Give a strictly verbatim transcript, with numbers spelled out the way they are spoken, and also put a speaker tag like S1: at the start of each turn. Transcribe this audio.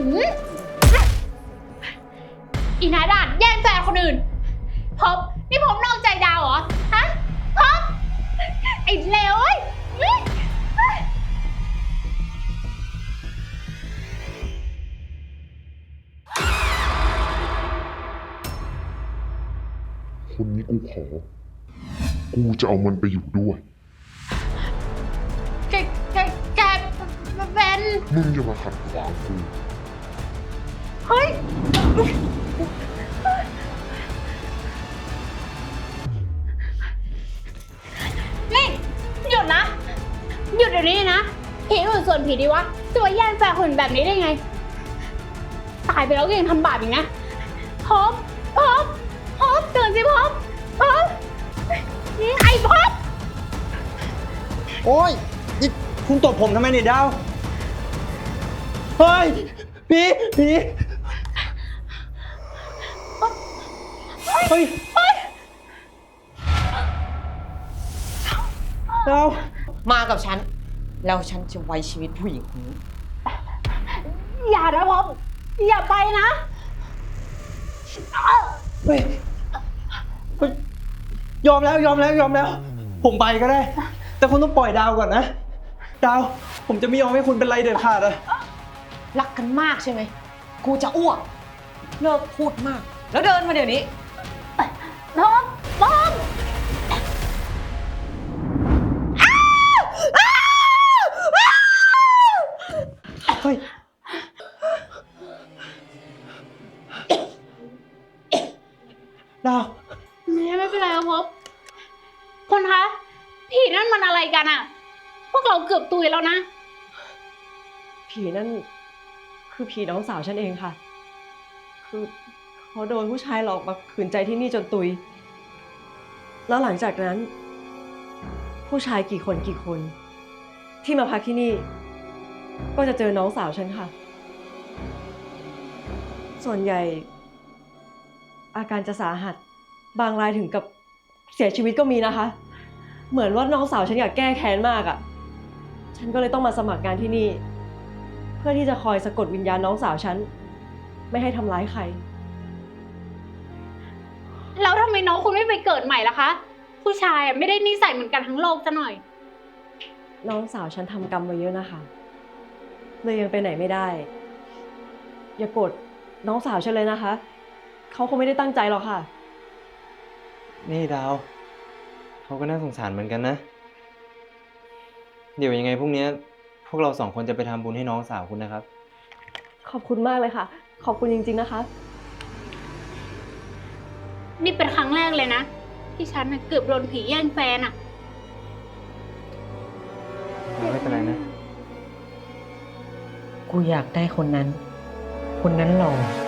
S1: อีนาดานแย่งแฟนคนอื่นพบนี่พบนอกใจดาวเหรอฮะพบไอ้เลวเอ้ย
S2: คนนี้กูขอ กูจะเอามันไปอยู่ด้วย
S1: แกแกแกเป็น
S2: มึงอย่ามาขัดขวางกู
S1: เฮ้ยนี่หยุดนะหยุดเดี๋ยวนี้นะผีอื่นส่วนผีดีวะตัวแย่งแฟนคนแบบนี้ได้ไงตายไปแล้วก็ยังทำบาปอีกนะพบพบพบตื่นสิพบพบไอ้พบ
S3: โอ้ยนี่คุณตบผมทำไมเนี่ยดาวเฮ้ยพี่พี่เฮ้ยดาว
S4: มากับฉัน แล้วฉันจะไว้ชีวิตผู้หญิงคนนี้
S1: อย่านะพบอย่าไปนะ
S3: เฮ้ยเฮ้ยยอมแล้วยอมแล้วยอมแล้ว ผมไปก็ได้ แต่คุณต้องปล่อยดาวก่อนนะ ดาว ผมจะไม่ยอมให้คุณเป็นไรเด็ดขาดอะ
S4: รักกันมากใช่ไหม กูจะอ้วก เลิกพูดมาก แล้วเดินมาเดี๋ยวนี้
S1: พบพบ
S3: เฮ้ยดาว
S1: ไม่ไม่เป็นไรครับพบคนคะผีนั่นมันอะไรกันอะพวกเราเกือบตุยแล้วนะ
S5: ผีนั่นคือผีน้องสาวฉันเองค่ะ คือเขาโดนผู้ชายหลอกมาขืนใจที่นี่จนตุย แล้วหลังจากนั้น ผู้ชายกี่คนกี่คน ที่มาพักที่นี่ ก็จะเจอน้องสาวฉันค่ะ ส่วนใหญ่ อาการจะสาหัส บางรายถึงกับเสียชีวิตก็มีนะคะ เหมือนว่าน้องสาวฉันอยากแก้แค้นมากอะ่ะ ฉันก็เลยต้องมาสมัครงานที่นี่ เพื่อที่จะคอยสะกดวิญญาณน้องสาวฉันไม่ให้ทำร้ายใคร
S1: แล้วทำไมน้องคุณไม่ไปเกิดใหม่ล่ะคะ ผู้ชายอะไม่ได้นิสัยเหมือนกันทั้งโลกซะหน่อย
S5: น้องสาวฉันทำกรรมมาเยอะนะคะเลยยังไปไหนไม่ได้ อย่าโกรธน้องสาวฉันเลยนะคะ เขาคงไม่ได้ตั้งใจหรอกค่ะ
S3: นี่ดาว เขาก็น่าสงสารเหมือนกันนะ เดี๋ยวยังไงพรุ่งนี้พวกเราสองคนจะไปทำบุญให้น้องสาวคุณนะครับ
S5: ขอบคุณมากเลยค่ะ ขอบคุณจริงๆนะคะ
S1: นี่เป็นครั้งแรกเลยนะ ที่ฉันน่ะเกือบโดนผีแย่งแฟนอะ
S3: ไม่เป็นไรนะ
S4: กูอยากได้คนนั้น คนนั้นหล่อ